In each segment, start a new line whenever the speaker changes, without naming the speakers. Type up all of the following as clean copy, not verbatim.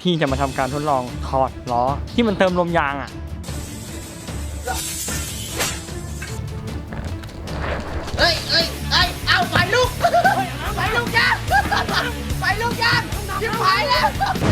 พี่จะมาทำการทดลองถอดล้อที่มันเติมลมยางอ่ะ
เอาไฟลุกไฟลุกยางไฟลุกยางชิบหายแล้ว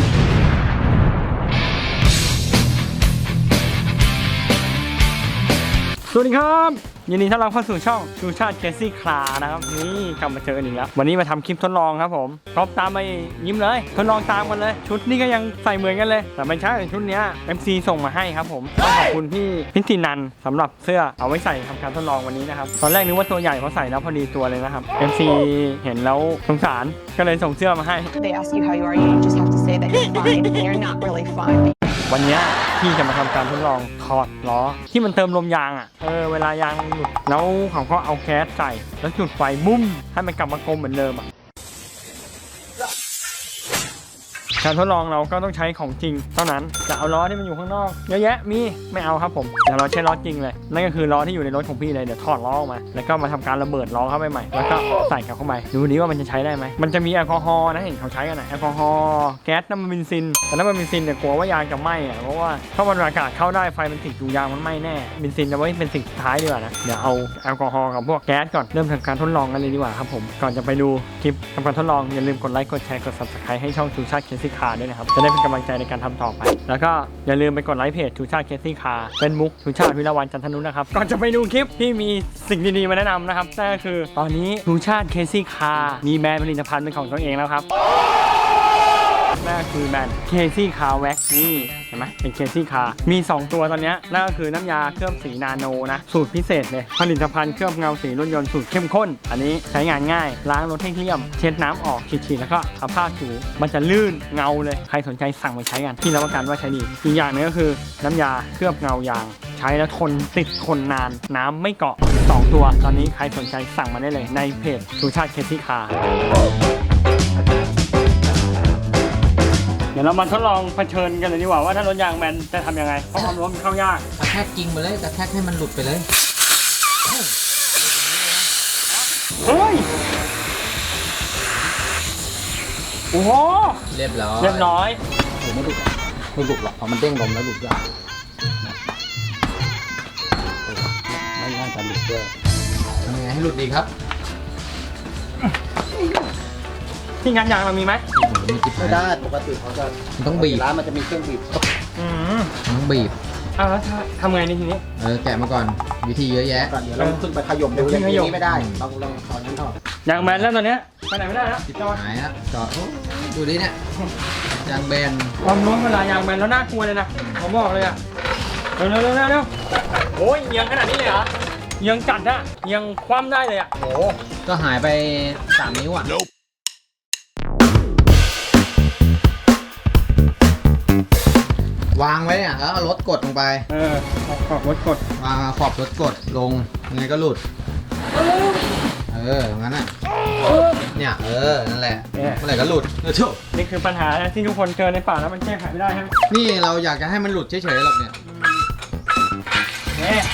สวัสดีครับยินดีต้อนรับเข้าสู่ช่องชูชาติเคซี่คลานะครับนี่กลับมาเจอกันอีกแล้ววันนี้มาทำคลิปทดลองครับผมพร้อมตามไปยิ้มเลยทดลองตามกันเลยชุดนี้ก็ยังใส่เหมือนกันเลยแต่ไม่ใช่ชุดนี้ MC ส่งมาให้ครับผมต้องขอบคุณพี่พิธีนันสำหรับเสื้อเอาไว้ใส่ทำการทดลองวันนี้นะครับตอนแรกนึกว่าตัวใหญ่เพราะใส่แล้วพอดีตัวเลยนะครับ MC เห็นแล้วสงสารก็เลยส่งเสื้อมาให้
They ask you how you are, you just have to say that you're fine, and you're not really fine.
วันนี้พี่จะมาทำการทดลองถอดล้อที่มันเติมลมยางอ่ะเวลายางหลุดแล้วเขาก็เอาแก๊สใส่แล้วจุดไฟบุ้มให้มันกลับมากลมเหมือนเดิมอ่ะการทดลองเราก็ต้องใช้ของจริงเท่านั้นจะเอาล้อที่มันอยู่ข้างนอกเยอะแยะมีไม่เอาครับผมเดี๋ยวเราใช้ล้อจริงเลยนั่นก็คือล้อที่อยู่ในรถของพี่เลยเดี๋ยวถอดล้อออกมาแล้วก็มาทำการระเบิดล้อเข้าไปใหม่แล้วก็ใส่กลับเข้าไปดูนี้ว่ามันจะใช้ได้ไหมมันจะมีแอลกอฮอล์นะเห็นเขาใช้กันนะแอลกอฮอล์แก๊สน้ำมันเบนซินแต่น้ำมันเบนซินเนี่ยกลัวว่ายางจะไหม้อะเพราะว่าถ้ามันอากาศเข้าได้ไฟมันติดอยู่ยางมันไหม้แน่เบนซินจะไว้เป็นสิ่งสุดท้ายดีกว่านะเดี๋ยวเอาแอลกอฮอล์กับพวกแก๊สก่อนเริ่มทำการทดลองกันเลยดีกว่าครับผมก่อนจะไปดูคลิปทำการทดลองอย่าลืมกดไลค์กดแชร์กด Subscribe ให้ช่องชูชาติเคซี่คาร์ด้วยนะครับจะได้เป็นกำลังใจในการทำต่อไปแล้วก็อย่าลืมไปกดไลค์เพจชูชาติเคซี่คาร์เป็นมุกชูชาติวิรวันจันทนุนะครับก่อนจะไปดูคลิปที่มีสิ่งดีๆมาแนะนำนะครับนั่นก็คือตอนนี้ชูชาติเคซี่คาร์มีแบรนด์ผลิตภัณฑ์เป็นของตัวเองแล้วครับนั่นก็คือแบรนด์ KC Car Wax นี่เห็นไหมเป็น KC Car มี 2 ตัวตอนนี้นั่นก็คือน้ำยาเคลือบสีนาโนนะสูตรพิเศษเลยผลิตภัณฑ์เคลือบเงาสีรถยนต์สูตรเข้มข้นอันนี้ใช้งานง่ายล้างรถให้เกลี้ยมเช็ดน้ำออกฉีดๆแล้วก็เอาผ้าถูมันจะลื่นเงาเลยใครสนใจสั่งไปใช้กันที่รับประกันว่าใช้ดีอีกอย่างนึงก็คือน้ำยาเคลือบเงายางใช้แล้วทนนานน้ำไม่เกาะ2 ตัวตอนนี้ใครสนใจสั่งมาได้เลยในเพจชูชาติ KC Carเดี๋ยวเรามาทดลองเผชิญกันเลยดีกว่าว่าถ้ารถยางแบนจะทำยังไงเพราะความร้อนมันเข้ายาก
กระแทกจริงไปเลยกระแทกให้มันหลุดไปเลย
เฮ้ยโอ้โห
เรียบร้อย
เรียบร้อย
ไม่หลุดหรอกเพราะมันเด้งลมแล้วหลุดยากไม่น่าจะหลุดด้วย
ทำยังไงให้หลุดดีครับ
ที่งานยางเรามีไหม
มีจิ๊บ
ไม่ได้ปกติเขาจะ
ต้องบีบ
ร้านมันจะมีเครื่องบีบ
ต้องบีบ
แล้วทำไงในทีนี้
แกะมาก่อนวิธีเยอะแยะ
ก่อนเดี๋ยวเราขึ้นไปขยมดูอย่างนี้ไม่ได้ลองถอนนั้นออก
ยางแบนแล้วตอนเนี้ยไปไหนไม่ได้แล้วจอด
หายแล้วจอดโอ้ดูดิเนี่ยยางแบน
ความร้อนเวลายางแบนแล้วน่ากลัวเลยนะผมบอกเลยอะเร็วโอ้ยเอียงขนาดนี้เลยเหรอเอียงจัดอะเอียงคว่ำได้เลยอะโอ้
ก็หายไป3 นิ้วอ่ะวางไว้เนี่ยแล้วเอารถกดลงไป
ขอบรถกด
วางขอบรถกดลงยังไงก็หลุดอย่างนั้นน่ะเนี่ยนั่นแหละเมื่อไหร่ก็หลุดจบ
นี่คือปัญหาที่ทุกคนเจอในป่าแล้วมันแก้ไขไม่ได้ใช่ไหม
นี่เราอยากจะให้มันหลุดเฉยๆหรอกเนี่ย
เนี่ย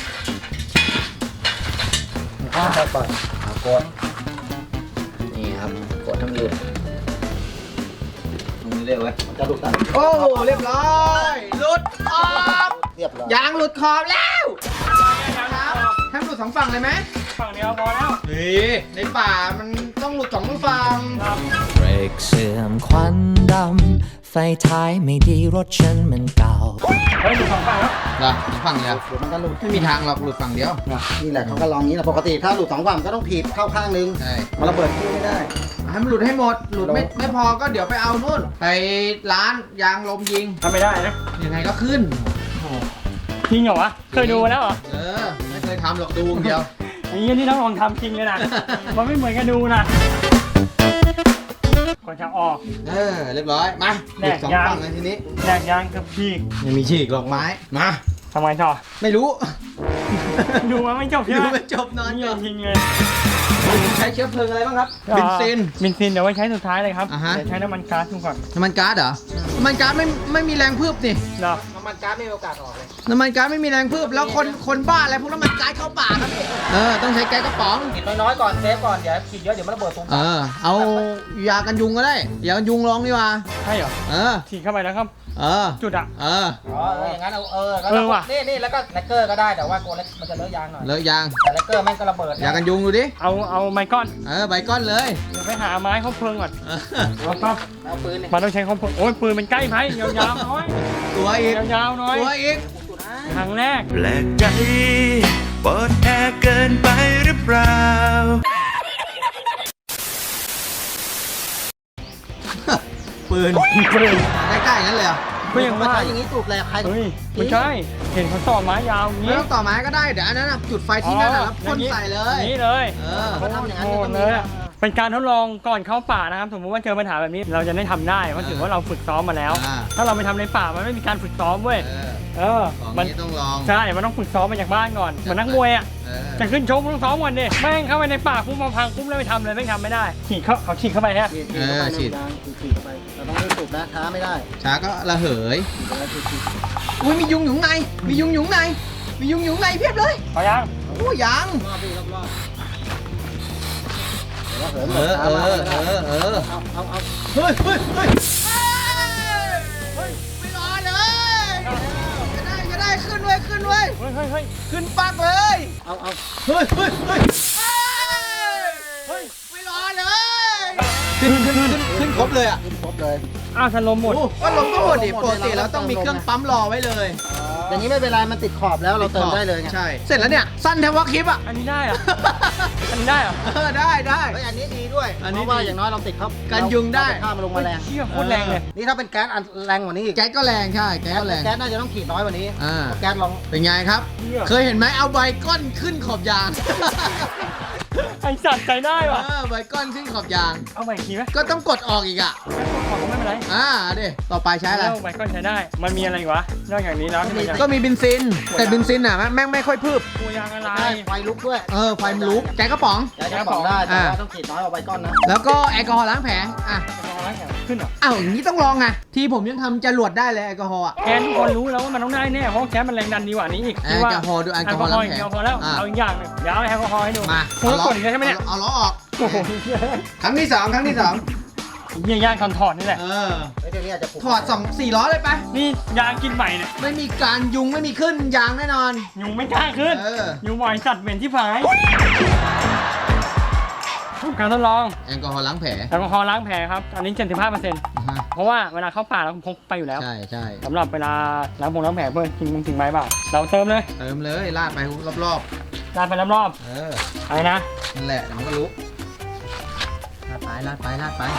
ค่อยๆเปิดกด
นี่ครับกดทั้งหลุดตรงนี้เรียกว่า
มันจะหลุดตัด
โอ้เรียบร้อยหลุดขอบ
เรียบร้อย
ยางหลุดขอบแล้วให้มันหลุด2 ฝั่งเลยไหม
ฝั่งเดียวพอแล้ว
ในป่ามันต้องหลุด2 ฝั่ง
เบรกเสื่อมควันดำไฟท้ายไม่ดีรถฉันมันเก่า
เฮ้ยดูสองฝั่งแล้ว
เหรอฝั่งเดียว
เดี๋ยวมันก็หลุด
ไม่มีทางหรอกหลุดฝั่งเดียว
นี่แหละเขาก็ลองนี้แหละปกติถ้าหลุด2 ฝั่งก็ต้องถีบเข้าข้างนึง
ใช่
มันระเบิดที่ไม่ได้
ให้มันหลุดให้หมดหลุดไม่พอก็เดี๋ยวไปเอานู่นไปร้านยางลมยิง
ทำไม่ได้นะ
ยังไงก็ขึ้น
จริงเหรอวะเคยดูมาแล้วเหรอ
ไม่เคยทำหรอกดูอย่างเดียว
ไอ้เงี้ยนี่ต้องลองทำจริงเลยนะ มันไม่เหมือนกันดูนะก่อนจะออก
เรียบร้อยมาหลุด2 ฝั่งเลยทีนี้
แยกยางกับพีก
ยังมีฉีกหลอกไม้มา
ทำไมต่อ
ไม่รู้
ดูมาไม่จบใช่
ดู
ไหม
ไม่จบนอน
นี่
ก่อน
จริงเลย
ใช้เชื้อเพลิงอะไรบ้างครับเบนซิน
เบนซินเดี๋ยวไว้ใช้สุดท้ายเลยครับ
อ่าฮะ
เดี๋ยวใช้น้ำมันก๊าซดูก่อน
น้ำมันก๊าซเหรอน้ำมันก๊าซไม่มีแรงพืบนี่
เนาะ
น้ำมัน
มันก๊าซไม่มีโอกาสออกเลย
น้ำมันก๊าซไม่มีแรงพืบแล้วคนบ้าอะไรพวกน้ำมันก๊าซเข้าปากครับต้องใช้แก๊สกระป๋อง
ฉีดน้อยๆก่อนเซฟก่อนเดี๋ยวฉีดเยอะเดี๋ยวมันระเบิดตุ้ม
เอายากันยุงก็ได้ยากันยุงลองดีกว่า
ใช่เหรอ ฉีดเข้าไปแล้วครับ จุดอ่ะ
อ๋ออย่างนั้น
ว่ะ
นี่แล้วก็แลกเกอร์ก็ได้แต่ว่าโกเล็กมันจะเลอะยางหน่อย
เลอะยาง
แต่แลกเกอร์แม่งก็ระเบิด
ยากันยุงดูดิ
เอาไม้ก้อน
ใบก้อนเลย
เดี๋ยวไปหาไม้เข้าเพลิงก่อนเอาครับ
เอาปืนเนี่ย
มันต้องใช้เข้าเพลิงโอ้ยปืนมันใกล้ไม้ยาวๆน้อย
ตัวอีก
ยาวๆน้อย
ตัวอีก
ครั้งแรก
แปลกใจเปิดแอร์เกินไปหรือเปล่า
ปืนใกล้ๆงั้นเลยเหรอ
ก็ยังว่า
อย่างนี้ถูกแล้วใคร
เฮ้ยไม่ใช่ เห็นเขาต่อไม้ยาวอย่าง
ไม่
นี้
ต้องต่อไม้ก็ได้เดี๋ยวอันนั้นจุดไฟที่นั่นแล้วพ่นใส่เลย
นี่เลย
เขาทำอย่างนั้น
โหดเลยอะเป็นการทดลองก่อนเข้าป่านะครับ สมมติว่าเจอปัญหาแบบนี้เราจะได้ทำได้เพราะถือว่าเราฝึกซ้อมมาแล้ว ถ้าเราไปทำในป่ามันไม่มีการฝึกซ้อมเว้ย
ของ
มัน
นี้ต้องลอง
ใช่ มันต้องฝึกซ้อมมาจากบ้านก่อนเหมือนนักมวยอ่ะจะขึ้นชกต้องซ้อมก่อนดิแม่งเข้าไปในป่าปุ๊บมาพังปุ๊บแล้วไม่ทำเลยไม่ทำไม่ได้ฉีกเขาฉีกเข้าไปฮะ
ฉีดเข้าไปเราต้องรีบสูบนะช้าไม่ได้
ช้าก็ระเหยอุ้ยมียุงอยู่ข้างในมียุงอยู่ข้างในมียุงอยู่ข้างในเพียบเลย
พอยัง
โอ้ยัง
รอบรอบเดี๋ยวเหิน
เอา เฮ้ยไม่รอเลยจะได้ขึ้นเว้ย
เฮ้ย
ขึ้นปักเลย เฮ้ยไม่รอเลยขึ้นครบเลยอ่ะ
ครบเลย
อ้าวสลมหมด
ก็ลงก็หมดดิปกติแล้วต้องมีเครื่องปั๊มรอไว้เลย
อย่างนี้ไม่เป็นไรมันติดขอบแล้วเราเติมได้เลยไง
ใช่เสร็จแล้วเนี่ยสั้นแทบว่าคลิปอ่ะ
อันนี้ได้เหรออันนี้ได้เหรอ
ได้
เฮ้ยอันนี้ดีด้วย
อันนี้
เพราะว่าอย่างน้อยเราติดเขา
กันยุงได้
ข้ามมาลงมาแรง
เชี่ยโคตรแรงเลย
นี่ถ้าเป็นแก๊สอันแรงกว่านี้อีก
แก๊สก็แรงใช่แก๊สก็แรง
แก๊สน่าจะต้องขีดน้อยกว่านี้ แก๊สลอง
เป็นไงครับ เคยเห็นไหมเอาใบก้อนขึ้นขอบยาง
ไอสัตว์ใจได้ว่ะ
ใบก้อนขึ้นขอบยาง
เอาใหม่อีกทีไหม
ก็ต้องกดออกอีกอ่ะ
ขอไม่เป็นไร
ดิต่อไปใช้อะไร
แล้วใบก้อนใช้ได้ มันมีอะไรอีกวะนอกจากนี้แล้วที่มันจะ
ก็มีเบนซิน แต่เบนซินอ่ะแม่งไม่ค่อยพืบ
ตัวยางอะไร
ใช่ไฟลุกด้วย
ไฟมันลุกแก๊สกระป๋อง
แก๊สกระป๋องได้แต่ว่าต้องขีดน้อยเอาไว้ก้อนนะ
แล้วก็แอลกอฮอล์ล้างแผลอ่ะ
ขึ้นเหรอ
อ้าวอย่างนี้ต้องลองไงที่ผมยังทำจรวดได้เลยแอลกอฮอล์อ่ะ
แกทุกคนรู้แล้วว่ามันต้องได้แน่เพราะแก๊สมันแรงดันดีกว่านี้อีก
แอลกอฮอล์ดูแอลกอฮอล์ล้างแผล
แอลกอฮอล์แล้วเอาอีกอย่างหนึงเดี๋ยวเอาแอลกอฮอล์ให้ดู
มา
คุณต้องกดอีกแล้วใช่ไหมเนี่ย
เอาล้อออก
โอ้โห
ครั้งที่สอง
เยี่ยยางถอดนี่แหละ
เดี๋ยวนี้อาจจะผูก
ถอด4 ล้อเลยไป
นี่ยางกินใหม่เนี่ย
ไม่มีการยุงไม่มีขึ้นยางแน่นอน
ยุงไม่กล้าขึ้น ยุงบ่อยสัตว์เหม็นที่ผายการทดลอง
แอลกอฮอล์ล้างแผล
แอลกอฮอล์ล้างแผลครับ อันนี้ 75%เพราะว่าเวลาเข้าป่าเราพกไปอยู่แล้ว
ใช่
สำหรับเวลาล้างแผลเพื่อทิ้งไม้เปล่าเราเติมเลย
เติมเลยลาดไปรอบ
ลาดไปรอบ
ๆ
ๆอะไรนะ
นั่นแหละเดี๋ยวมันก็รู้ลาดไปนั่นแหละนั่นแหละ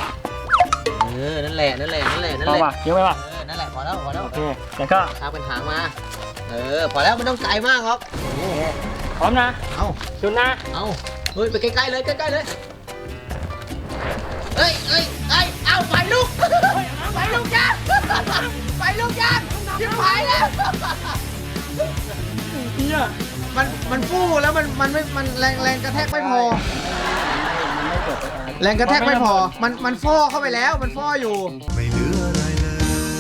พอป่ะเยอะไปป่ะ
นั่นแหละพอแล้ว
โอเคแล้วก็
ทาเป็นหางมาพอแล้วมันต้องไกลมากหรอก
พร้อมนะ
เอา
จุดนะ
เอาเฮ้ยไปใกล้ๆเลยเอ้ยเอาไฟลุกไฟลุกยางชิบหายแล้ว
เฮีย
มันฟู่แล้วมันแรงกระแทกไม่พอ แรงกระแทกไม่พอ มันฟ่อเข้าไปแล้ว มันฟ่ออยู่
ไม่เหลืออะไรเลย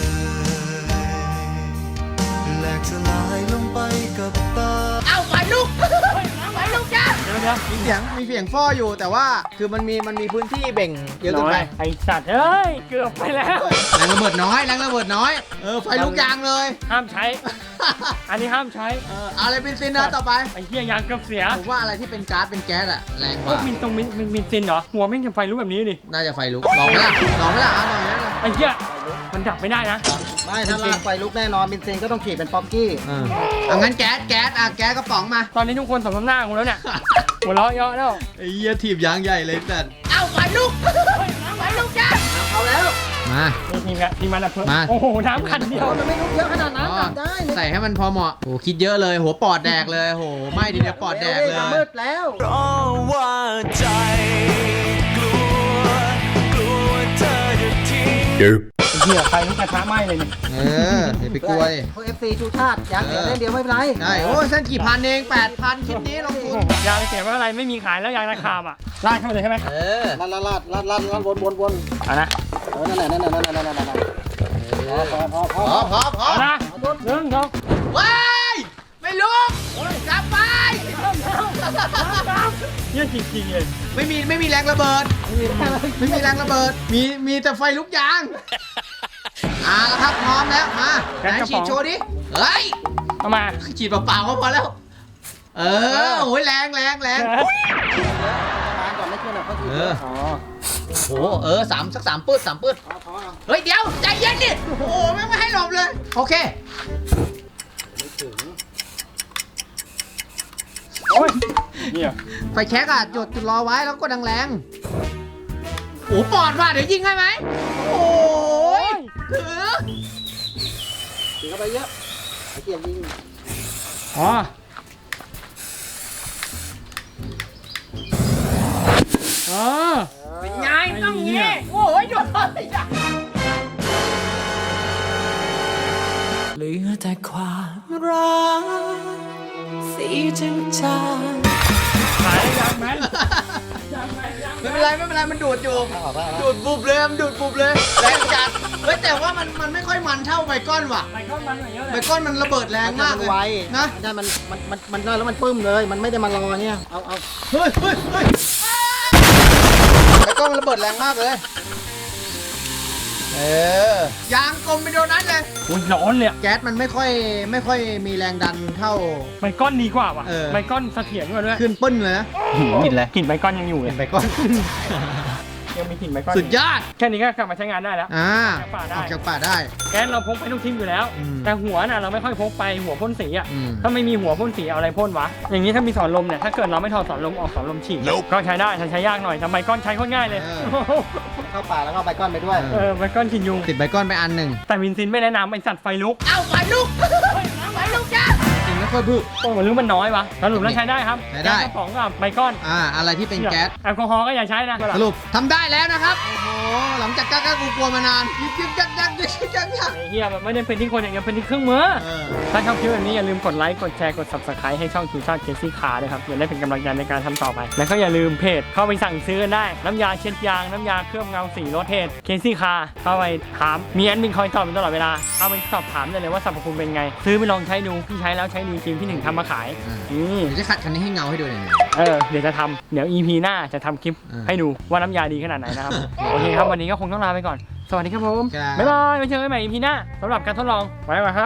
แหลกสลายลงไปกับตา
เอาไฟลุกจ้า
เดี๋ยว
มีเสียงฟ่ออยู่แต่ว่าคือมันมีพื้นที่เบ่งเยอะเกินไป
ไอสัตว์เอ้ยเกือบไปแล้ว
แรงระเบิดน้อยไฟลุกยางเลย
ห้ามใช้ อันนี้ห้ามใช้
เอาอะไรเป็นซินนะต่อไป
ไอ้เหี้ยยางเกือบเสีย
ผมว่าอะไรที่เป็นก๊าซเป็นแก๊สอะแรงก
พว
ว่าก
มินซินเหรอหัวแม่งจะไฟลุกแบบนี้ดิ
น่าจะไฟลุกลองไหมล่ะเอาหน่อยนะ
ไอ้เหี้ยมันดับไม่ได้นะ
ไม่ถ้าลากไฟลุกแน่นอนเบนซินก็ต้องขีดเป็นป๊อกกี้
เอางั้นแก๊สแก๊สกระป๋องมา
ตอนนี้ทุกคนสมน้ำหน้ากูแล้วเนี่ยหัวเราะเยอะแล้ว
ไอ้เหี้ยถีบยางใหญ่เลยแต่เอาไฟลุกจ้า
เอาแล้ว
มา
ทีมมันอะเพิ่ม
มา
โอ้โหน้ำขันเดียว
มันไม่ลุกเยอะขนาดนั้นดับได้
ใส่ให้มันพอเหมาะโอ้คิดเยอะเลยหัวปอดแดกเลยโหไม่ดีเดี๋ยวปอดแดกเลย
มืดแล้ว
เพราะว่าใจกลัวเธอจะทิ้ง
ไอ้เหี้ยไฟลุกกระทะไหม้เลยเนี่ย
อย่าไปกลัวดิ
พวก FC ชูชาติอยากเสียเล่นเดียวไม่เป็นไร
ใช่โอ้ยเส้นกี่พันเอง8,000คลิปนี้ลงทุน
ยางเสียไม่เป็นไรไม่มีขายแล้วยางราคาอ่ะลากเข้าไปเลยใช่ไหม
ลาดวน
เอานะ
นั่นแหละพอ
เอานะ 1 เนี่ยจริงๆเลย
ไม่มีแรงระเบิด ไม่มีแรงระเบิด มีแต่ไฟลุกยางแล้วครับพร้อมแล้วมาไหนฉีดโชว์ดิเฮ้ย
เอามา
ฉีดเปล่าๆก็พอแล้ว โอ้ยแรง
แก๊ส
มาก่อนไม่ขึ้นอ่ะก็คือ
อ๋อ
โอ้โหสักสามปืด
พอ
เฮ้ยเดี๋ยวใจเย็นดิโอ้โหไม่ให้หลบเลยโอเค
โอ้ยเนี่ย
ไฟแช็กอะจุดรอไว้แล้วก็ดังแรงๆโอ้ปอดว่ะเดี๋ยวยิงให้ไหมโอ้ยถือ
ถือเข้าไปเยอะไอ้เกียร์ยิง
อ๋ออ๋อ
เป็นไงต้องอย่างงี้โอ้ยหยุดเลยจ้ะ
เหลือแต่ความรักสีจาง
ขายได้ยังไหม
ไม่เป็นไรมันดูดอยู่ดูดบุบเลยมันดูดบุบเลยแรงจัดเฮ้ยแต่ว่ามันไม่ค่อยมันเท่าไบคอนว่ะ
ไมเคิลมันหน่อยเยอะเล
ไบ
ย
คอนมันระเบิดแรงมากเลย
ไว
นะ
ได้มันได้แล้วมันปึ้มเลย มันไม่ได้มารอเนี่ยเอา
เฮ้ยไบคอนมันระเบิดแรงมากเลยยางกลมไปโดนนั้นเลย
อุ้ยร้อนเลยอะ
แก๊สมันไม่ค่อยมีแรงดันเท่า
ไมเคิลดีกว่าว่ะ
เออ
ไมเคิลเสถียรกว่าด้วย
ขึ้นปึ้นเลยนะ
กลิ่นอะไรกลิ่นไมเคิลยังอยู่เลย
ไบคอน
ยังมีกลิ่นไมเคิล
สุดยอด
แค่นี้ก็กลับมาใช้งานได้แล้ว
อ
อ
อ
อก ก
จา
จาก ก
ป่า
ป่าได้
ได้
แก๊สเราพกไปทุกทิ้งอยู่แล้ว
อืม
แต่หัวน่ะเราไม่ค่อยพกไปหัวพ่นสีอ่ะ
อืม
ถ้าไม่มีหัวพ่นสีเอาอะไรพ่นวะอย่างนี้ถ้ามีสอนลมเนี่ยถ้าเกิดเราไม่ถอดสอนลมออกสอนลมฉีกก็ใช้ได้แต่ใช้ยากหน่อยแต่ไมเคิลใช้โคตรง่ายเลย
เข้าป่าแล้วก็เอาไบคอนไปด้วย
ไมเคิลกินยุง
ติดไบคอนไปอันหนึ่ง
แต่วินซินไม่แนะนำไอสัตว์ไฟลุก
เอาไฟลุกไฟลุกจ้าจริงไม่ค่อยพึ่ง
โอ้เหมือนลุกมันน้อยวะสรุปแล้วใช้ได้ครับ
ใช้ได้
แก๊สกระป๋องกับไมเคิล
อะไรที่เป็นแก๊ส
แอลกอฮอล์ก็อย่าใช้นะ
สรุปทำได้แล้วนะครับ โอ้โห หลังจากกล้ากลัวมานานยึกยักยัก
ไอ้เหี้ยมันไม่ได้เป็นที่คนอย่างเดียวเป็นที่เครื่องมือ ถ้าชอบคลิปแบบนี้อย่าลืมกดไลค์ กดแชร์ กด subscribe ให้ช่องทูชาติเคซี่คาร์ด้วยครับจะได้เป็นกำลังใจในการทำต่อไป แล้วก็อย่าลืมเพจเข้าไปสั่งซื้อกันได้ น้ำยาเช็ดยาง น้ำยาเคลือบเงาสีรถเพจเคซี่คาร์เข้าไปถาม มีแอดมินคอยตอบอยู่ตลอดเวลา เข้าไปสอบถามได้เลยว่าสรรพคุณเป็นไง ซื้อไปลองใช้ดู พี่ใช้แล้วใช้ดีจริง พี่หนึ่งทำมาขาย
เดี๋ยวจะขัดคันนี้ให้เงาให้ดูหน่อย
เดี๋ยวจะทำเดี๋ยว EP หน้าจะทำคลิป
อ่า
ให้ดูว่าน้ำยาดีขนาดไหนนะครับ โอเคครับวันนี้ก็คงต้องลาไปก่อน สวัสดีครับผม
ครับ
บ๊ายบายไว้เจอกันใหม่ EP หน้าสำหรับการทดลองไว้ก่อนครับ